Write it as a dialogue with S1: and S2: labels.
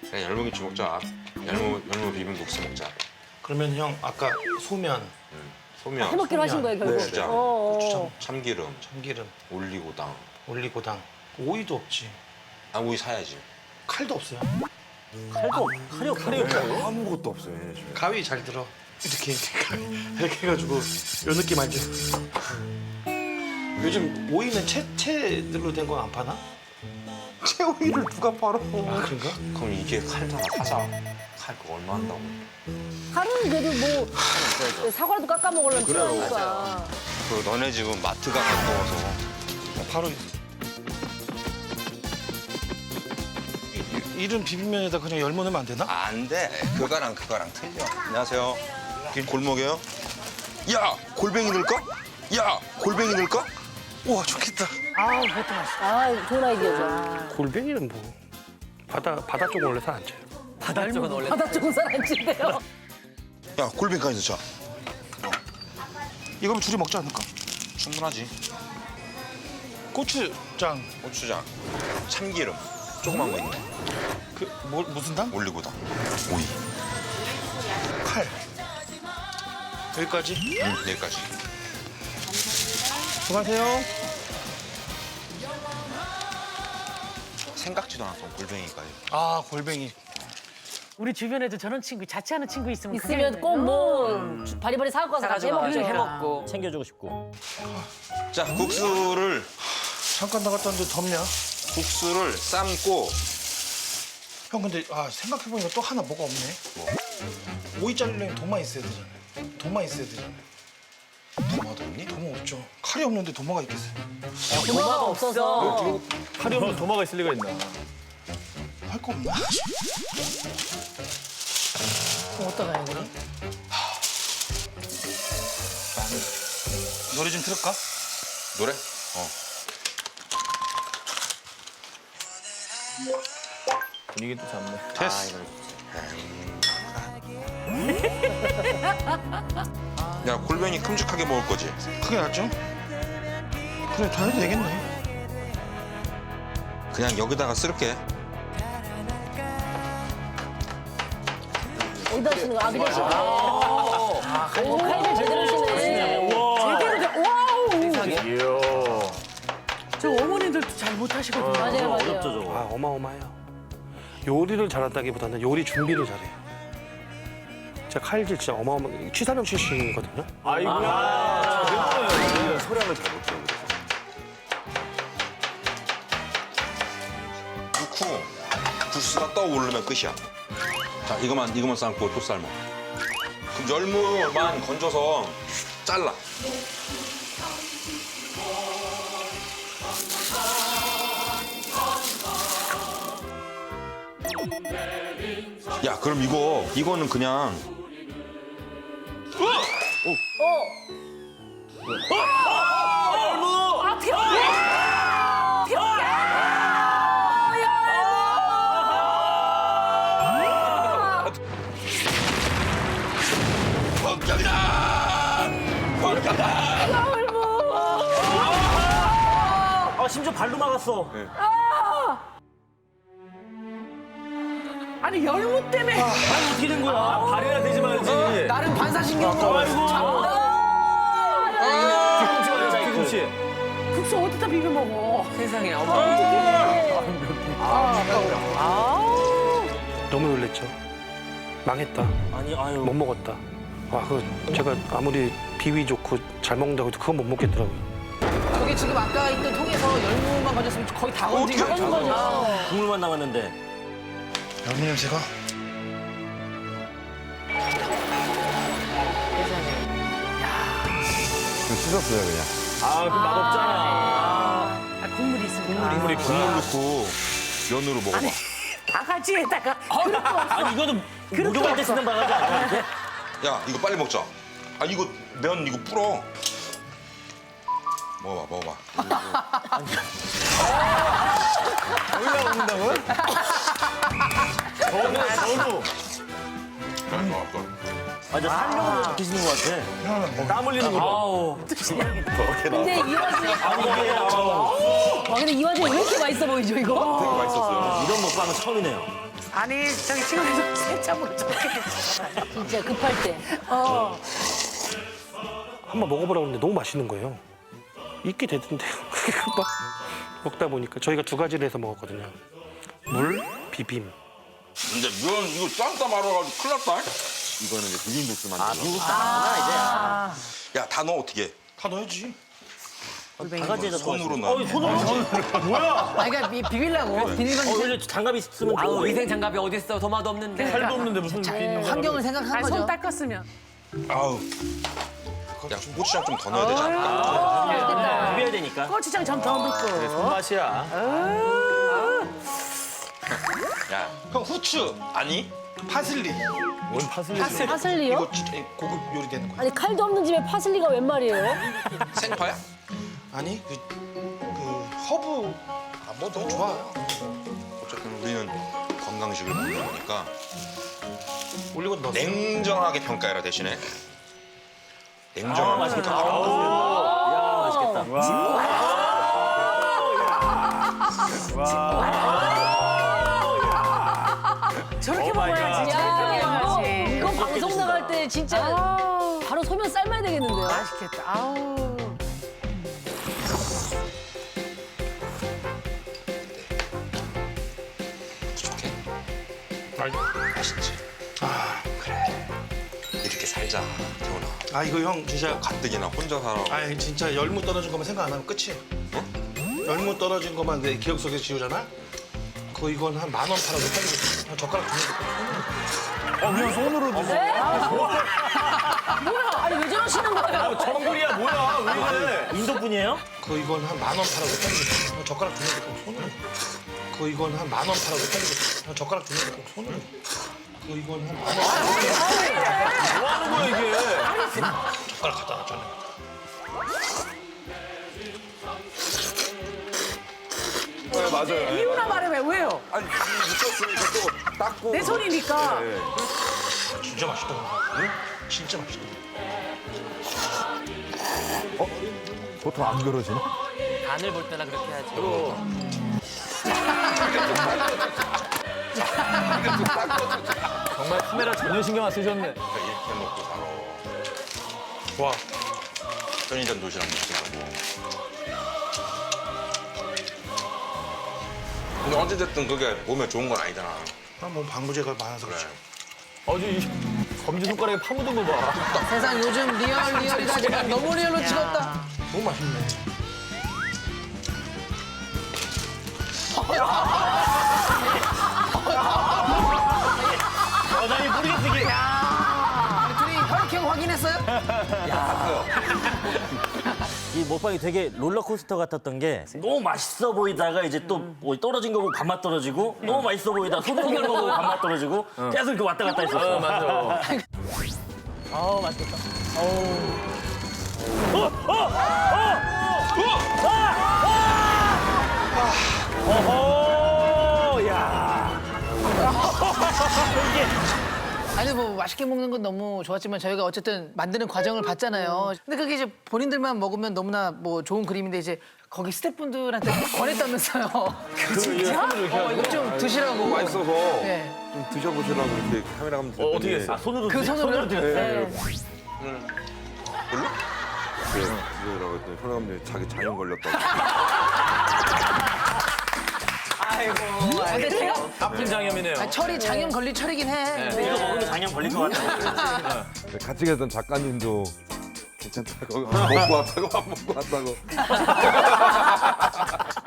S1: 그냥 열무김치 먹자. 열무 비빔국수 먹자.
S2: 그러면 형 아까 소면,
S1: 소면,
S3: 해먹기로 하신 거예요 결국.
S1: 고추장,
S2: 고추장,
S1: 참기름,
S2: 참기름,
S1: 올리고당.
S2: 올리고당, 오이도 없지.
S1: 아, 우유 사야지.
S2: 칼도 없어요.
S4: 칼이 없어요.
S5: 아무것도 없어요.
S2: 가위 잘 들어. 이렇게 이렇게 해가지고 요 느낌 알죠? 요즘 오이는 채들로 된 거 안 파나?
S5: 채오이를 누가 팔아?
S2: 아 그런가?
S1: 그럼 이게 칼도 하나 사자. 칼 그거 얼마 한다고?
S3: 칼은 그래도 뭐 사과라도 깎아 먹으려면 필요하니까.
S1: 그 너네 집은 마트가 가까워서.
S2: 바로 이런 비빔면에다 그냥 열 넣으면 안 되나?
S1: 안 돼. 그거랑 틀려. 안녕하세요. 골목이에요? 야, 골뱅이 넣을까? 야, 골뱅이 넣을까?
S2: 우와 좋겠다.
S4: 아, 그것도 맛있어.
S3: 아 좋은 아이디어죠.
S2: 골뱅이는 뭐 바다 쪽 원래 잘 안 쳐요.
S4: 바다 쪽은 원래.
S3: 바다 좋은 사람인데요.
S1: 야, 골뱅이까지 넣자.
S2: 이거면 둘이 먹지 않을까?
S1: 충분하지.
S2: 고추장
S1: 고추장, 참기름, 조그만 거 있네.
S2: 무슨 당?
S1: 올리고당, 오이.
S2: 칼. 여기까지.
S1: 여기까지.
S2: 수고하세요.
S1: 생각지도 않았던 골뱅이까지.
S2: 아 골뱅이.
S4: 우리 주변에도 저런 친구, 자취하는 친구 있으면
S3: 있으면 꼭 뭐 바리바리 사갖고 와서 같이 해먹죠.
S4: 해먹고 챙겨주고 싶고.
S1: 자, 국수를
S2: 잠깐 나갔다 왔는데 덥냐?
S1: 국수를 삶고.
S2: 형 근데 생각해보니까 또 하나 뭐가 없네. 오이 자르려면 도마 있어야 되잖아요. 도마 있어야 되잖아요.
S1: 도마도 없니?
S2: 도마 없죠. 칼이 없는데 도마가 있겠어요.
S3: 도마가 없어서.
S5: 칼이 없는 도마가 있을 리가 있나?
S2: 할 거 없나?
S3: 그럼 어떡해요 그럼?
S2: 노래 좀 틀을까?
S1: 노래?
S5: 분위기 또 잡네.
S2: 됐어.
S1: 야, 골뱅이 큼직하게 먹을 거지?
S2: 크게 낫죠? 그래 다 해도 되겠네.
S1: 그냥 여기다가 쓸게.
S3: 어디다 쓰는 거? 그냥 시네. 오 칼질 제대로 시네.
S4: 제대로 돼. 와우!
S5: 이야.
S4: 저 어머님들도 잘 못하시거든요.
S3: 맞아요 맞아요.
S4: 어렵죠, 저거.
S2: 아 어마어마해요. 요리를 잘한다기보다는 요리 준비를 잘해요. 제가 칼질 진짜 어마어마. 취사병 출신이거든요.
S5: 아이고야. 저는 소량을 잘 못해요.
S1: 넣고 국수가 떠오르면 끝이야. 자, 이거만 삶고 또 삶아. 그럼 열무만 건져서 잘라. 야, 그럼 이거는 그냥
S4: 아, 심지어 발로 막았어. 아니, 열무 때문에. 발이 어떻게 된 거야? 발이나 되지 말지. 나름 반사신경. 아이고.
S5: 김치.
S4: 국수 어디다 비벼 먹어? 세상에.
S2: 너무 놀랬죠. 망했다.
S4: 아니, 아유.
S2: 못 먹었다. 와, 제가 아무리 비위 좋고 잘 먹는다고 해도 그건 못 먹겠더라고요.
S6: 저게 지금 아까 있던 통에서 열무만 건졌으면 거의 다 건진 거죠.
S4: 국물만 남았는데.
S2: 열무 냄새가.
S5: 씻었어요 그냥. 아, 그 맛없잖아.
S4: 국물이 있으니까.
S1: 국물 넣고 면으로 먹어봐.
S4: 바가지에다가. 아니, 이거는 목욕할 때 쓰는 바가지 아니야?
S1: 야, 이거 빨리 먹자. 아, 이거 면 이거 불어. 먹어봐.
S5: 올라온다고요? 저도.
S4: 아, 저 살려고 드시는 것 같아. 땀 흘리는 거. 아우.
S3: 근데 이 와중에 와 근데 이 와중에 왜 이렇게 맛있어 보이죠 이거?
S1: 되게 맛있었어요.
S4: 이런 먹방은 처음이네요.
S7: 아니 저기 시골에서 새참으로 저렇게
S3: 진짜 급할 때.
S2: 한번 먹어보라고 했는데 너무 맛있는 거예요. 있게 되던데요. 막 먹다 보니까 저희가 두 가지를 해서 먹었거든요. 물, 비빔.
S1: 근데 면 이거 쌈다 말아가지고 큰일 났다.
S5: 이거는 이제 비빔국수 만들어.
S1: 야, 다 넣어 어떻게? 다 넣어야지.
S4: 바가지에다
S1: 손으로 넣어.
S6: 아, 그러니까 비빌라고. 비닐만
S4: 원래 장갑 있으면
S6: 아우
S4: 좋아.
S6: 위생 장갑이 어디 있어? 도마도 없는데.
S4: 살도 없는데 무슨
S6: 환경을 생각한 거죠.
S7: 손 닦았으면
S1: 아우. 야, 고추장 좀 더 넣어야 되지 않을까?
S4: 비벼야 되니까.
S7: 고추장 좀 더 넣고
S4: 손맛이야.
S1: 야, 형 후추 아니?
S8: 파슬리.
S4: 뭔 파슬리.
S3: 파슬리요?
S8: 이거 진짜 고급 요리 되는 거야.
S3: 아니 칼도 없는 집에 파슬리가 웬 말이에요?
S1: 생파야?
S8: 아니 그 허브 뭐더 좋아요.
S1: 어쨌든 우리는 건강식을 먹는 거니까
S8: 올리고 넣었어.
S1: 냉정하게 평가해라 대신에. 냉정하게
S4: 맛있겠다.
S1: 평가해라.
S4: 야, 맛있겠다.
S7: 저렇게 먹어야지. 저렇게
S3: 야,
S7: 먹어야지.
S3: 이거 방송 나갈 때 진짜 바로 소면 삶아야 되겠는데요?
S7: 맛있겠다. 아우.
S1: 부족해? 맛있지? 아, 그래. 이렇게 살자, 태훈아.
S8: 아 이거 형 진짜
S1: 가뜩이나 혼자 살아.
S8: 아 진짜 열무 떨어진 것만 생각 안 하면 끝이에요. 열무 떨어진 것만 내 기억 속에 지우잖아. 그거 이건 한 10,000원 팔아도 빨리 한 젓가락 주는
S4: 그냥 손으로
S3: 뭐야? 아니 왜 저러시는 거예요?
S4: 정글이야 뭐야? 왜 그래? 인도 분이에요?
S8: 거. 이건 한 10,000원 팔아도 빨리 한 젓가락 주는 거 손으로. 그거 이건 한 10,000원 팔아도 빨리 한 젓가락 주는 거 손으로. 그거 이건 한 10,000원.
S4: 뭐 하는 거야 이게?
S8: 젓가락 갖다 놨잖아.
S5: 네, 맞아요.
S7: 이유나 말해봐. 왜요?
S5: 아니 묻혔으니까 또 닦고.
S7: 내 손이니까.
S8: 진짜 맛있다. 응? 진짜 맛있다.
S5: 보통 안 그러시나?
S6: 간을 볼 때나 그렇게 해야지.
S4: 정말 카메라 전혀 신경 안 쓰셨네.
S1: 이렇게 먹고 살아.
S8: 와.
S1: 편의점 도시락 먹지 말고. 근데 어찌됐든 그게 몸에 좋은 건 아니잖아.
S8: 뭐 방부제가 많아서 그렇지.
S4: 아주 이 검지 손가락에 파묻은 거 봐.
S6: 세상 요즘 리얼이다. 지금 너무 리얼로 찍었다.
S8: 너무 맛있네.
S4: 여전히 뿌리겠지.
S6: 둘이 혈액형 확인했어요?
S9: 이 먹방이 되게 롤러코스터 같았던 게 너무 맛있어 보이다가 이제 또 뭐 떨어진 거 보고 밥맛 떨어지고 너무 맛있어 보이다가 소고기를 먹고 밥맛 떨어지고 계속 이렇게 왔다 갔다 했었어.
S4: 맞아.
S9: 아 맛있겠다.
S4: 어허, 야.
S6: 아니 뭐 맛있게 먹는 건 너무 좋았지만 저희가 어쨌든 만드는 과정을 봤잖아요. 근데 그게 이제 본인들만 먹으면 너무나 뭐 좋은 그림인데 이제 거기 스태프분들한테 권했다면서요. 진짜? 이거 좀 드시라고.
S5: 맛있어서
S6: 네.
S5: 좀 드셔보시라고 이렇게 카메라 감독 드렸더니
S4: 어떻게 했어? 아, 손으로
S6: 그 손으로
S5: 네.
S1: 별로?
S5: 드시라고 했더니 현아 감독이 자기 장염 걸렸다고.
S6: 근데 제가
S4: 아픈 장염이네요.
S6: 철이 장염 걸릴 철이긴 해.
S9: 이거 먹으면 장염 걸릴 것 같아.
S5: 같이 계셨던 작가님도 괜찮다고 안 먹고 왔다고 안 먹고 왔다고.